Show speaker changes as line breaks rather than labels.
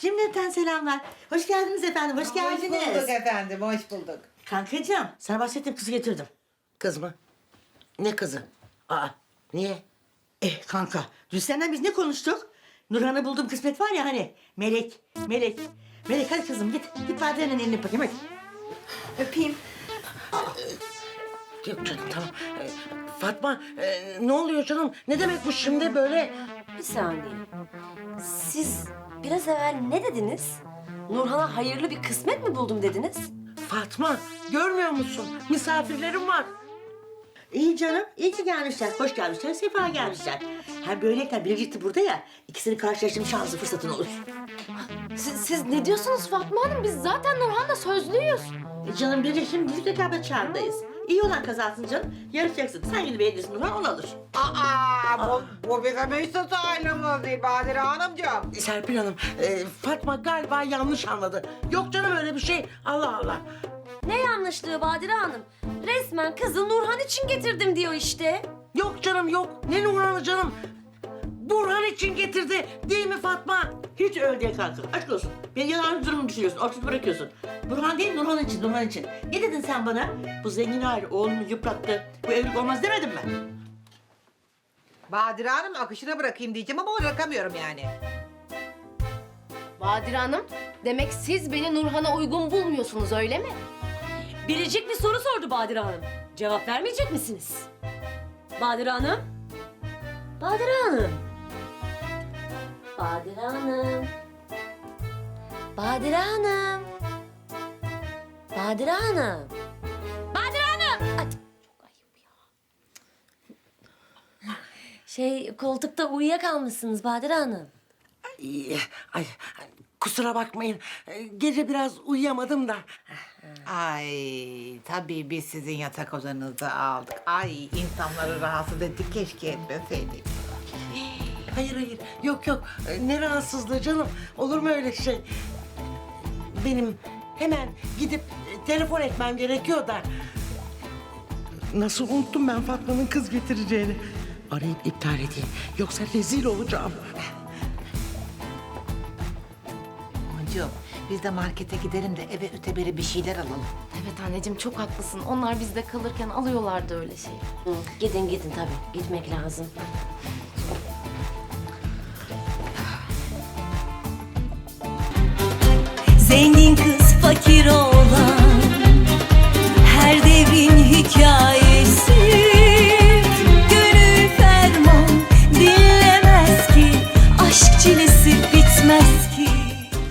Cümleten selamlar. Hoş geldiniz efendim, hoş geldiniz.
Hoş bulduk efendim, hoş bulduk.
Kankacığım, sana bahsettiğim kızı getirdim.
Kız mı? Ne kızı? Aa, niye?
Kanka, dün senden biz ne konuştuk? Nurhan'ı bulduğum kısmet var ya hani, Melek. Melek hadi kızım git, git Badire'nin elini bakayım hadi. Öpeyim.
Yok canım tamam. Fatma ne oluyor canım? Ne demek bu şimdi böyle?
Bir saniye. Siz biraz evvel ne dediniz? Nurhan'a hayırlı bir kısmet mi buldum dediniz?
Fatma görmüyor musun? Misafirlerim var.
İyi canım, iyi ki gelmişler, hoş gelmişler, sefa gelmişler. Hem böyleyken biricikti burada ya, ikisini karşılaştırma şansı fırsatın olur.
Siz ne diyorsunuz Fatma Hanım? Biz zaten Nurhan'la sözlüyüz.
Canım biricik şimdi birlik rekabet çağındayız. İyi olan kazansın canım, yarışacaksın. Sen gidip beğenirsin Nurhan, onu alır.
Bu bizim üstü ailemiz değil Badire Hanımcığım.
Serpil Hanım, Fatma galiba yanlış anladı. Yok canım öyle bir şey. Allah Allah.
Ne yanlışlığı Badire Hanım? Resmen kızı Nurhan için getirdim diyor işte.
Yok canım yok. Ne Nurhan'ı canım? Burhan için getirdi. Değil mi Fatma?
Hiç öyle değil kanka, aşk olsun. Beni yalan durumu düşürüyorsun, ortada bırakıyorsun. Burhan değil, Nurhan için, Nurhan için. Ne dedin sen bana? Bu zengin aile oğlumu yıprattı, bu evlilik olmaz demedin mi?
Badire Hanım akışına bırakayım diyeceğim ama bırakamıyorum yani.
Badire Hanım, demek siz beni Nurhan'a uygun bulmuyorsunuz öyle mi?
Biricik bir soru sordu Badire Hanım. Cevap vermeyecek misiniz? Badire Hanım? Badire Hanım? Badire Hanım? Badire Hanım? Badire Hanım? Badire Hanım! Ay, çok ayıp ya. Koltukta uyuyakalmışsınız Badire Hanım.
Ay, kusura bakmayın. Gece biraz uyuyamadım da.
Ay tabii biz sizin yatak odanızı aldık. Ay insanları rahatsız ettik keşke etmeseydik.
Hayır. Yok. Ne rahatsızlığı canım. Olur mu öyle şey? Benim hemen gidip telefon etmem gerekiyor da. Nasıl unuttum ben Fatma'nın kız getireceğini. Arayıp iptal edeyim. Yoksa rezil olacağım.
Amancığım biz de markete gidelim de eve öteberi bir şeyler alalım.
Evet anneciğim çok haklısın. Onlar bizde kalırken alıyorlardı öyle şey.
Gidin tabii. Gitmek lazım.
Zengin kız fakir olan her devrin hikayesi. Gönül ferman dinlemez ki aşk çilesi bitmez ki.